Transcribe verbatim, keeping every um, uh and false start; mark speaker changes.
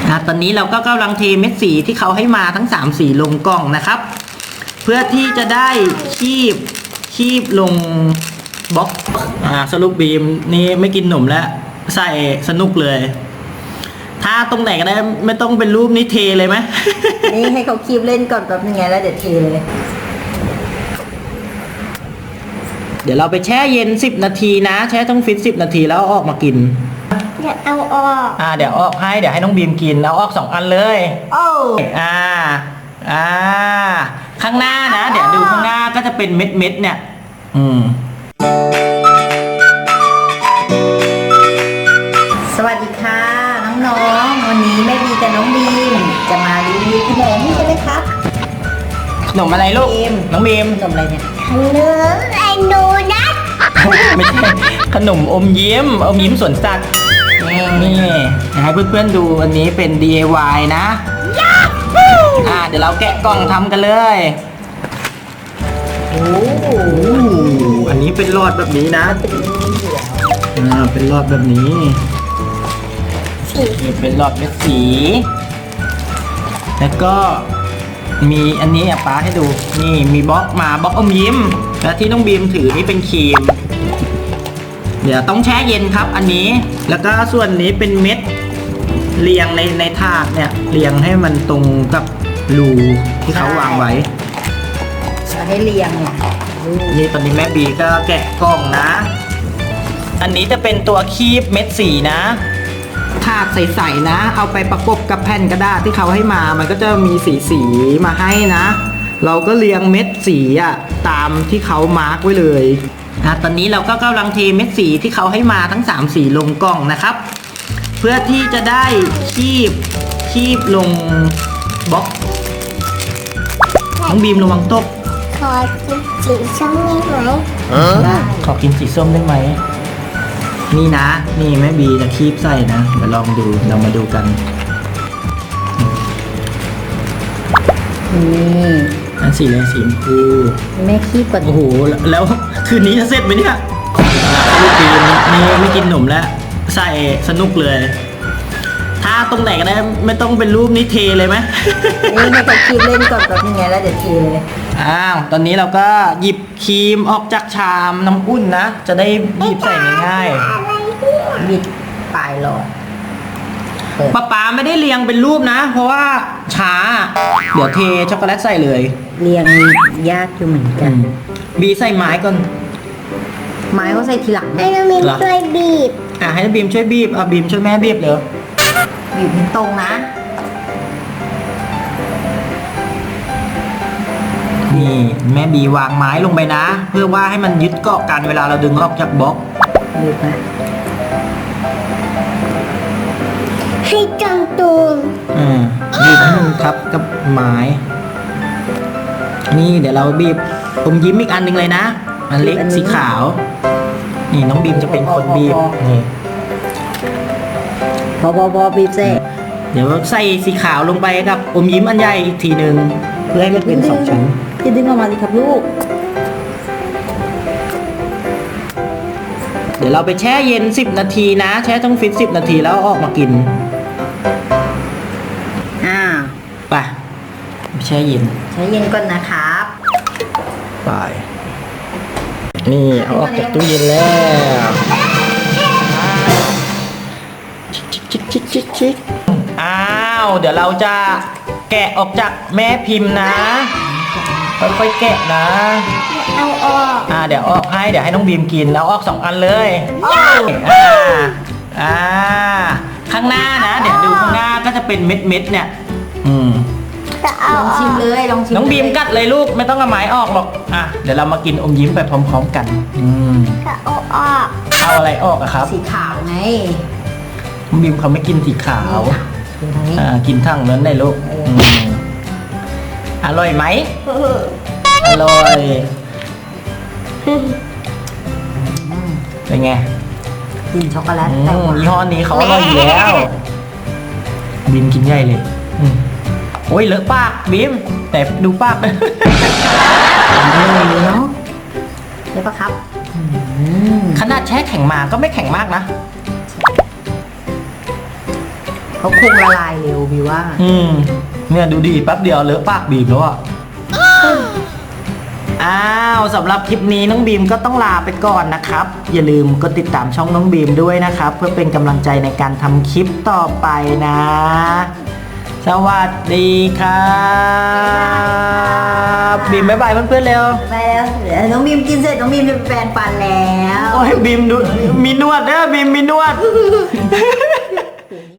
Speaker 1: อ่ะตอนนี้เราก็กำลังเทเม็ดสีที่เขาให้มาทั้งสามสีลงกล่องนะครับเพื่อที่จะได้คีบคีบลงบล็อกอ่าสรุปบีมนี่ไม่กินหนมแล้วใส่สนุกเลยถ้าตรงไหนก็ได้ไม่ต้องเป็นรูปนี้เทเลยไหม
Speaker 2: นี่ให้เขาคีบเล่นก่อนแป๊บนึงไงแล้วเดี๋ยวเทเลย
Speaker 1: เดี๋ยวเราไปแช่เย็นสิบนาทีนะแช่ต้องฟิตสิบนาทีแล้วเอาออกมากิน
Speaker 2: เดี๋ยวเอาออก
Speaker 1: อ่าเดี๋ยวออกให้เดี๋ยวให้น้องบีมกินเอาออกสองอันเลย
Speaker 2: โอ้
Speaker 1: อ่าอ่าข้างหน้านะเดี๋ยวดูข้างหน้าก็จะเป็นเม็ดเม็ดเนี่ยอืม
Speaker 2: สวัสดีค่ะน้องๆวันนี้แม่บีกับน้องบีมจะมารีวิวขนมใช่ไหมครับ
Speaker 1: ขนมอะไรลูก
Speaker 2: บีม
Speaker 1: น้องบีม
Speaker 2: ขนมอะไรเนี่ย
Speaker 3: ขนมไอโนนัท
Speaker 1: ไม่ใช่ขนมอมยิ้มอมยิ้มสวนสัตว์นี่ให้เพื่อนๆดูอันนี้เป็น ดี ไอ วาย นะอ่าเดี๋ยวเราแกะกล่องทำกันเลยโอ้อันนี้เป็นหลอดแบบนี้นะอ่าเป็นหลอดแบบนี้นี่เป็นหลอดเม็ดสี แล้วก็มีอันนี้อ่ะป้าให้ดูนี่มีบล็อกมาบล็อกอมยิ้มและที่น้องบีมถือนี่เป็นครีมเดี๋ยวต้องแช่เย็นครับอันนี้แล้วก็ส่วนนี้เป็นเม็ดเรียงในในถาดเนี่ยเรียงให้มันตรงกับรูที่เขาวางไว้
Speaker 2: จะให้เรียงเนี่ย
Speaker 1: นี่ตอนนี้แม่บีก็แกะกล่องนะอันนี้จะเป็นตัวคีบเม็ดสีนะถาดใสๆนะเอาไปประกบกับแผ่นกระดาษที่เขาให้มามันก็จะมีสีสีมาให้นะเราก็เรียงเม็ดสีอ่ะตามที่เขามาร์กไว้เลยอ่ะตอนนี้เราก็กำลังเทเม็ดสีที่เขาให้มาทั้งสามสีลงกล่องนะครับเพื่อที่จะได้คีบคีบลงบล็อกน้องบีมระวังตก
Speaker 3: ขอกินสีส้มได้ไหม
Speaker 1: ได้ขอกินสีส้มได้ไหมนี่นะนี่แม่บีจะคีบใส่นะเดี๋ยวลองดูเรามาดูกัน
Speaker 2: นี่
Speaker 1: อันสีอะไรสีชมพู
Speaker 2: แม่คีบก่อน
Speaker 1: โอ้โหแล้วคืนนี้จะเสร็จไหมเนี่ยลูกบีมนี่ไม่กินหนมแล้วใส่สนุกเลยถ้าตรงไหนก็ได้ไม่ต้องเป็นรูปนี้เทเลยไหม
Speaker 2: นี่ให้เขาคีบเล่นก่อนแป๊บนึงไงแล้วเดี๋ยวเทเลย
Speaker 1: อ้าวตอนนี้เราก็หยิบครีมออกจากชามน้ำอุ่นนะจะได้หยิบใส่ง่ายๆ
Speaker 2: บิดปลายหลอด
Speaker 1: ป๊าป๊าไม่ได้เรียงเป็นรูปนะ เพราะว่าช้าเดี๋ยวเทช็อกโกแลตใส่เลย
Speaker 2: เรียงยากอยู่เหมือนกัน
Speaker 1: บีใส่ไม้ก่อน
Speaker 2: ไม้เขาใส่ทีหลัง
Speaker 3: ให้น้องมินช่วยบีบ
Speaker 1: อ่ะให้บีมช่วยบีบอ่ะบีมช่วยแม่บีบเลย
Speaker 2: บีบให้ตรงนะ
Speaker 1: นี่แม่บีวางไม้ลงไปนะ เพื่อว่าให้มันยึดเกาะกันเวลาเราดึงออกจากบล็อก
Speaker 2: บีบนะ
Speaker 3: ให้จังตูน
Speaker 1: อืมบีบให้มันทับกับไม้ นี่เดี๋ยวเราบีบผมยิ้มอีกอันหนึ่งเลยนะอันเล็กสีขาว นี่น้องบีมจะเป็นคนบีบนี่
Speaker 2: พอพอพอบีบเสร็จ
Speaker 1: เดี๋ยวใส่สีขาวลงไปกับอมยิ้มอันใหญ่อีกทีหนึ่งเพื่อให้มันเป็นสองชั้น
Speaker 2: จะดึงออกมาสิครับลูก
Speaker 1: เดี๋ยวเราไปแช่เย็นสิบนาทีนะแช่ต้องฟิตสิบนาทีแล้วเอาออกมากิน
Speaker 2: อ่า
Speaker 1: ไปแช่เย็น
Speaker 2: ใช้เย็นก่อนนะครับ
Speaker 1: ไปนี่เอาออกจากตู้เย็นแล้วชิกชิกชิกชิกชิกชิกอ้าวเดี๋ยวเราจะแกะออกจากแม่พิมพ์นะค่อยๆแกะนะ
Speaker 3: เอาออก
Speaker 1: อ่าเดี๋ยวออกให้เดี๋ยวให้น้องบีมกินแล้วออกสองอันเลยอ่าอ่าข้างหน้านะเดี๋ยวดูข้างหน้าก็จะเป็นเม็ดเม็ดๆเนี่ยอืม
Speaker 3: จะเอา
Speaker 2: ลอง
Speaker 3: อ
Speaker 2: ชิ
Speaker 3: อ
Speaker 2: ม
Speaker 3: ก
Speaker 2: เลยลองชิม
Speaker 1: น้องบีมกัดเลยลูกไม่ต้องเอาไม้ออกหรอกอ่ะเดี๋ยวเรามากินอมยิ้มไปพร้อมๆกันอืม
Speaker 3: จะเอาออก
Speaker 1: เอาอะไรออกอะครับ
Speaker 2: สีขาวไง
Speaker 1: น้องบีมเขาไม่กินสีขาว
Speaker 2: ดูทางนี้
Speaker 1: อ่ากินทั้งนั้นได้ลูกอืมอร่อยไหมอร่อยเป็นไง
Speaker 2: กลิ่นช็อกโกแลต
Speaker 1: อื
Speaker 2: แต่
Speaker 1: ม
Speaker 2: หวาน
Speaker 1: ยี่ห้อนี้เขาอร่อยอยู่แล้วบีมกินใหญ่เลยอืมโอ้ยเลอะปากบีมแต่ดูปาก
Speaker 2: เลยเนาะใช่ปะครับอืม
Speaker 1: ขนาดแช่แข็งมาก็ไม่แข็งมากนะ
Speaker 2: เขาคงละลายเร็วบีว่า
Speaker 1: อืมเนี่ยดูดีแป๊บเดียวเลอะปากบีมแล้วอ่ะ อ้าวสำหรับคลิปนี้น้องบีมก็ต้องลาไปก่อนนะครับ อย่าลืมกดติดตามช่องน้องบีมด้วยนะครับ เพื่อเป็นกำลังใจในการทำคลิปต่อไปนะ สวัสดีครับบีมบ๊ายบายเพื่อนๆเร็ว
Speaker 2: ไปแล้วเดี๋ยวน้องบีมกินเสร็จน้องบีมจะไปแปรงฟันแล้ว
Speaker 1: โอ้ยบีมดูมีนวดเด้อบีมมีนวด